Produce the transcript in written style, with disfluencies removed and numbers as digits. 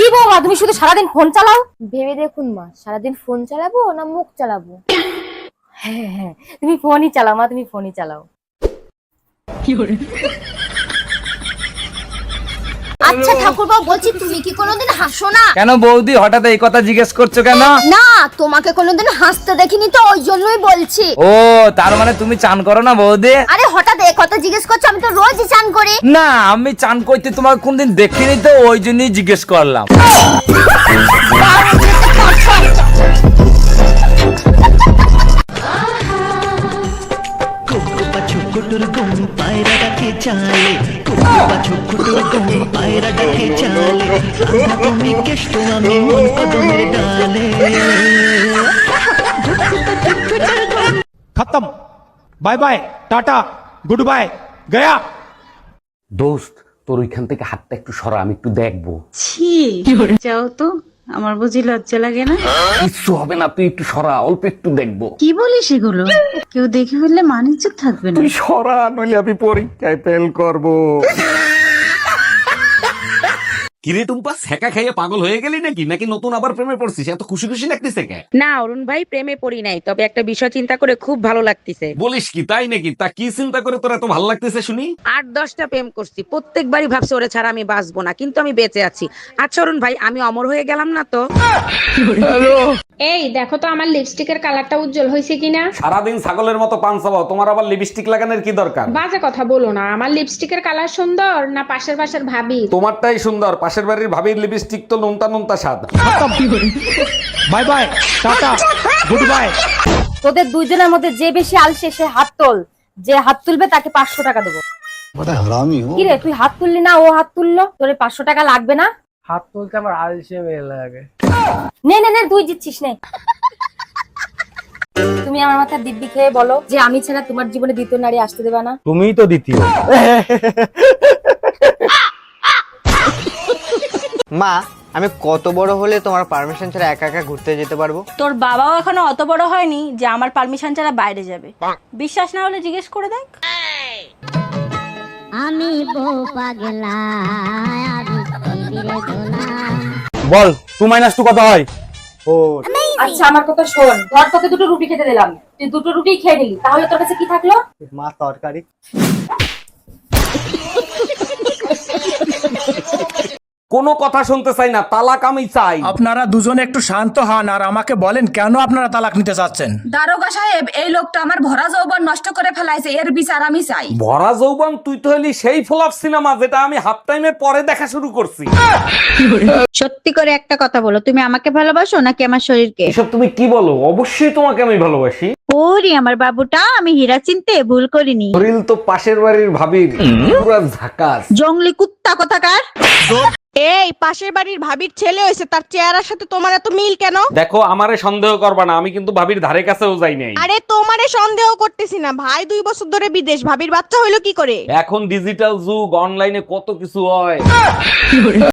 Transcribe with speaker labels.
Speaker 1: কি বৌমা তুমি শুধু সারাদিন ফোন চালাও? ভেবে দেখুন মা, সারাদিন ফোন চালাবো না মুখ চালাবো? হ্যাঁ হ্যাঁ, তুমি ফোনই চালাও মা, তুমি ফোনই চালাও। আচ্ছা ঠাকুরবাবু, বলছি তুমি কি কোনোদিন হাসো না?
Speaker 2: কেন বৌদি হঠাৎ এই কথা জিজ্ঞেস করছো কেন?
Speaker 1: না, তোমাকে কোনোদিন হাসতে দেখিনি তো, ওই জন্যই বলছি।
Speaker 2: ও তার মানে তুমি চান করো না বৌদি?
Speaker 1: আরে হঠাৎ এই কথা জিজ্ঞেস করছো? আমি তো রোজই চান করি।
Speaker 2: না আমি চান করতে তোমার কোনদিন দেখিনি তো, ওই জন্যই জিজ্ঞেস করলাম।
Speaker 3: কুকুর গুম পায়রা ডাকে চালে, কুকুর ছোট্টুর গুম পায়রা ডাকে চালে, তুমি কেষ্ট আমি মন কদমের ডালে।
Speaker 4: खत्म, bye bye, tata, goodbye, गया।
Speaker 5: দোস্ত তোর ওইখান থেকে হাতটা একটু সরা, আমি একটু দেখবো।
Speaker 6: ছি, যাও তো, আমার বুঝি লজ্জা লাগে না?
Speaker 5: কিচ্ছু হবে না, তুই একটু সরা, অল্প একটু দেখবো।
Speaker 6: কি বলিস এগুলো? কেউ দেখে ফেললে মান ইজ্জত থাকবে না।
Speaker 5: তুই সরা, নইলে আমি পরীক্ষায় ফেল করবো।
Speaker 7: কিরে টুম্পা, সেকা খাইয়ে পাগল হয়ে গেলি নাকি নতুন আবার প্রেমে পড়ছিস? এত খুশি খুশি লাগতেছে কে?
Speaker 8: না অরুণ ভাই, প্রেমে পড়ি নাই, তবে একটা বিষয় চিন্তা করে খুব ভালো লাগতেছে।
Speaker 7: বলিস কি, তাই নাকি? তা কি চিন্তা করে তোর এত ভালো লাগতেছে শুনি?
Speaker 8: 8-10টা প্রেম করছি, প্রত্যেকবারই ভাবছি ওরে ছাড়া আমি বাঁচবো না, কিন্তু আমি বেঁচে আছি। আচ্ছা অরুণ ভাই, আমি অমর হয়ে গেলাম না তো?
Speaker 9: এই দেখো তো আমার লিপস্টিকের কালারটা উজ্জ্বল হয়েছে কিনা।
Speaker 7: সারাদিন ছাগলের মতো পান চাবাও, তোমার আবার লিপস্টিক লাগানোর কি দরকার?
Speaker 9: বাজে কথা বলো না, আমার লিপস্টিকের কালার সুন্দর না পাশের ভাবি?
Speaker 7: তোমারটাই সুন্দর, পাশের বাড়ির ভাবির লিপস্টিক তো নোনতা নোনতা স্বাদ।
Speaker 4: Bye bye, tata, goodbye.
Speaker 1: তোদের দুইজনের মধ্যে যে বেশি আলসে সে হাত তোল, যে হাত তুলবে তাকে 500 টাকা দেবো। কি রে, তুই হাত তুললি না, ও হাত তুললো, তোর 500 টাকা লাগবে না?
Speaker 2: হাত তুলতে আমার আলসে মেয়ে লাগে।
Speaker 1: নে নে নে, তুই জিতছিস নে। তুমি আমার মাথায় দিব্যি খেয়ে বলো যে আমি ছাড়া তোমার জীবনে দ্বিতীয় নারী আসতে দেবে না।
Speaker 4: तुम ही तो द्वितीय।
Speaker 10: মা, আমি কত বড় হলে তোমার পারমিশন ছাড়া একা একা ঘুরতে যেতে পারবো?
Speaker 11: তোর বাবাও এখনো অত বড় হয়নি যে আমার পারমিশন ছাড়া বাইরে যাবে। বিশ্বাস না হলে জিজ্ঞেস করে দেখ।
Speaker 1: আমি বউ পাগলা,
Speaker 4: বল 2 - 2 কত হয়?
Speaker 1: আচ্ছা আমার কথা শোন, ধর তোকে দুটো রুটি খেতে দিলাম, তুই দুটো রুটি খেয়ে নিলি, তাহলে তোর কাছে কি থাকলো?
Speaker 4: মা তরকারি।
Speaker 7: কোনো কথা শুনতে চাই না, তালাক আমি চাই।
Speaker 4: আপনারা দুজনে একটু শান্ত হন আর আমাকে বলেন কেন আপনারা তালাক নিতে চাচ্ছেন।
Speaker 11: দারোগা সাহেব, এই লোকটা আমার ভরা যৌবন নষ্ট করে ফেলাইছে, এর বিচার আমি চাই।
Speaker 7: ভরা যৌবন? তুই তো হলি সেই ফ্লপ সিনেমা যেটা আমি হাফ টাইমের পরে দেখা শুরু করছি।
Speaker 8: সত্যি করে একটা কথা বলো, তুমি আমাকে ভালোবাসো নাকি আমার শরীরকে?
Speaker 7: এসব তুমি কি বলো? অবশ্যই তোমাকে আমি ভালোবাসি।
Speaker 8: ওরে আমার বাবুটা, আমি হীরা চিনতে ভুল করিনি।
Speaker 7: শরীর তো পাশের বাড়ির ভাবির, পুরা ঝাকাস।
Speaker 8: জঙ্গলি কুত্তা কোথাকার। এই পাশের বাড়ির ভাবির ছেলে হয়েছে, তার চেহারার সাথে তোমার এত মিল কেন?
Speaker 7: দেখো, আমারে সন্দেহ করবা না, আমি কিন্তু ভাবির ধারে কাছেও যাই নাই।
Speaker 8: আরে তোমারে সন্দেহ করতেছি না, ভাই 2 বছর ধরে বিদেশ, ভাবির বাচ্চা হইলো কি করে?
Speaker 7: এখন ডিজিটাল যুগ, অনলাইনে কত কিছু হয়।